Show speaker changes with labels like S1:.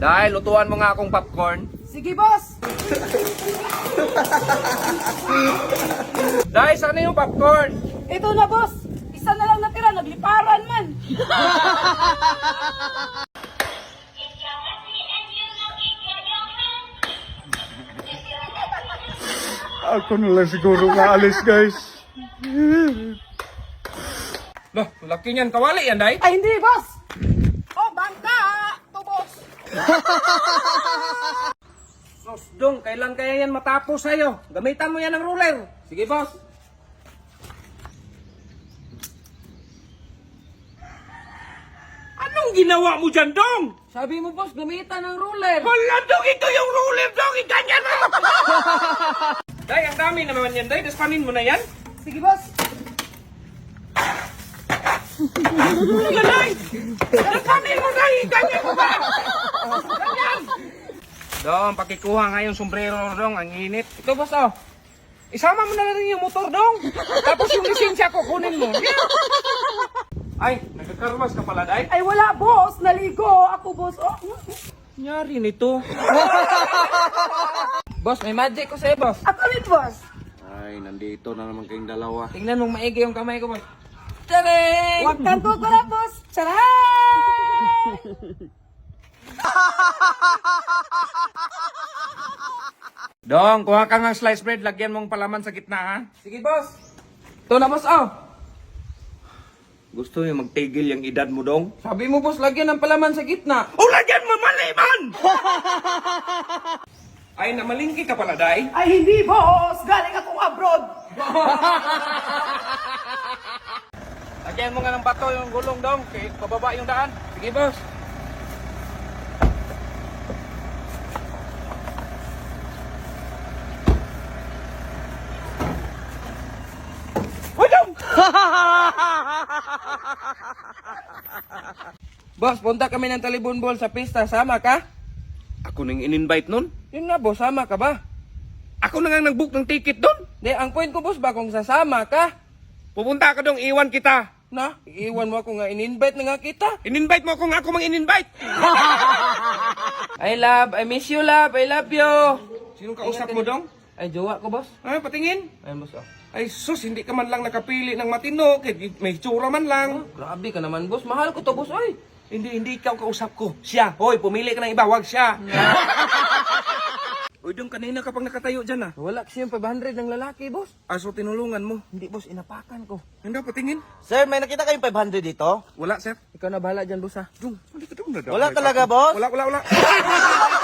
S1: Dahil lutuan mo nga akong popcorn.
S2: Sige, boss.
S1: Dahil sana yung popcorn.
S2: Ito na, boss. Isa na lang natira, nagliparan man.
S3: Ako na lang siguro maalis, guys.
S1: Loh, laki niyan. Kawali yan, Day.
S2: Ay, hindi, boss. Oh, bangka. Ito, boss.
S1: Sos, Dong, kailan kaya yan matapos sa'yo? Gamitan mo yan ng ruler. Sige, boss. Anong ginawa mo dyan, Dong?
S2: Sabi mo, boss, gamitan ng ruler.
S1: Wala, Dong! Ito yung ruler, Dong! Iganyan mo! Day, ang dami naman yan, Day. Daspanin mo na yan.
S2: Sige, boss.
S1: Ano yan, Day? Daspanin mo, Day! Iganyan mo ba? Ganyan! Dong, pakikuha nga yung sombrero, Dong. Ang init. Ito, boss, oh. Isama mo na rin yung motor, Dong. Tapos yung lisensya ko, kunin mo. Ay, nagkakarwas ka pala, Day.
S2: Ay, wala, boss. Naligo. Ako, boss. Oh.
S1: Nyari nito. Boss, may magic ko sa'yo, boss.
S2: Ako rin, boss.
S3: Ay, nandito na naman kayong dalawa.
S1: Tingnan mong maigi yung kamay ko, boss. Tadeng!
S2: Huwag kang tutula, boss. Charay!
S1: Dong, kuha ka ng slice bread. Lagyan mong palaman sa gitna, ha? Sige, boss. Ito na, boss, oh.
S3: Gusto niyo magtigil yung edad mo, Dong?
S1: Sabi mo, boss, lagyan ng palaman sa gitna. O, lagyan mo maliman! Ay, namalingki ka pala, Day.
S2: Ay, hindi, boss. Galing akong abroad.
S1: Lagyan mo nga ng bato yung gulong, Dong. Kaya pababa yung daan. Sige, boss. Uy, Dong! Boss, punta kami ng Talibon Ball sa pista. Sama ka?
S3: Ako nang in-invite nun?
S1: Yun nga, boss. Sama ka ba?
S3: Ako na nga nag-book ng ticket doon.
S1: Di, ang point ko, boss, ba kung sasama ka?
S3: Pupunta ka dong, iwan kita.
S1: Na, iiwan mo ako nga. In-invite na nga kita.
S3: In-invite mo kung ako mang in-invite.
S1: I love, I miss you, love. I love you.
S3: Sinong kausap mo, Dong?
S1: Ay, jowa ko, boss.
S3: Ay, patingin.
S1: Ayun, boss, oh.
S3: Ay, sus, hindi ka man lang nakapili ng matino. Kahit may tsura man lang.
S1: Grabe ka naman, boss. Mahal ko to, boss. Ay.
S3: Hindi ikaw kausap ko. Siya. Hoy, pumili ka ng iba, wag siya. Uy, Dong, kanina ka pang nakatayo dyan, ah.
S1: Wala kasi yung 500 ng lalaki, boss.
S3: Aso, tinulungan mo.
S1: Hindi, boss. Inapakan ko.
S3: Hindi, patingin.
S4: Sir, may nakita kayong 500 dito?
S3: Wala, sir.
S1: Ikaw na bahala dyan, boss, ha?
S3: Dong, hindi ka dong nadamay.
S4: Wala talaga, boss?
S3: Wala.